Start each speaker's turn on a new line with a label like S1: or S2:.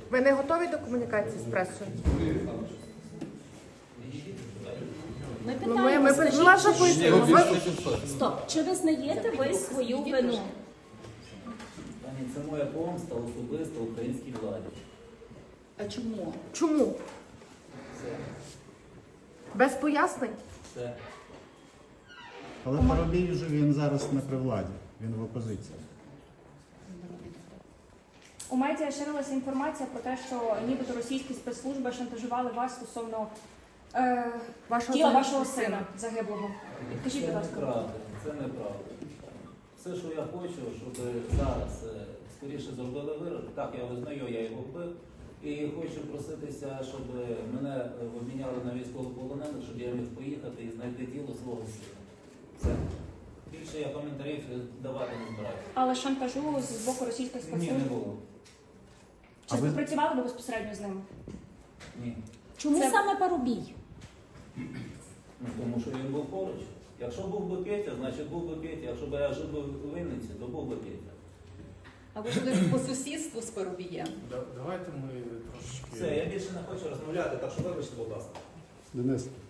S1: Ви не готові до комунікації з пресою?
S2: Ми
S1: Ми
S2: питаємо, скажіть,
S1: ваша
S2: чи-
S1: позиція.
S2: Стоп, чи визнаєте ви свою вину?
S3: Пані, це моя помста особисто українській владі.
S2: А чому?
S1: Чому?
S3: Все.
S1: Без пояснень?
S3: Все.
S4: Але Парубій вже він зараз не при владі, він в опозиції.
S5: У медіа ширилася інформація про те, що нібито російські спецслужби шантажували вас стосовно тіла вашого сина загиблого. Підкажіть,
S3: Це
S5: будь ласка.
S3: неправда, це неправда. Все, що я хочу, щоб зараз скоріше зробили вирок. Так, я визнаю, я його вбив. І хочу проситися, щоб мене обміняли на військовополонених, щоб я міг поїхати і знайти тіло свого сина. Все. Більше я коментарів давати не збираюся.
S5: Але шантажу з боку російських
S3: Ні,
S5: спецслужб?
S3: не було.
S5: Чи співпрацювали ви безпосередньо з ними?
S3: Ні.
S2: Чому
S5: Це-
S2: саме Парубій?
S3: Ну, тому що він був поруч. Якщо був би Петя, значить був би Петя. Якщо б я жив би в Вінниці, то був би Петя.
S6: А ви жили по сусідству з Парубієм?
S7: Давайте ми трошечки...
S3: Все, я більше не хочу розмовляти, так що вибачте, будь ласка.
S4: Денис,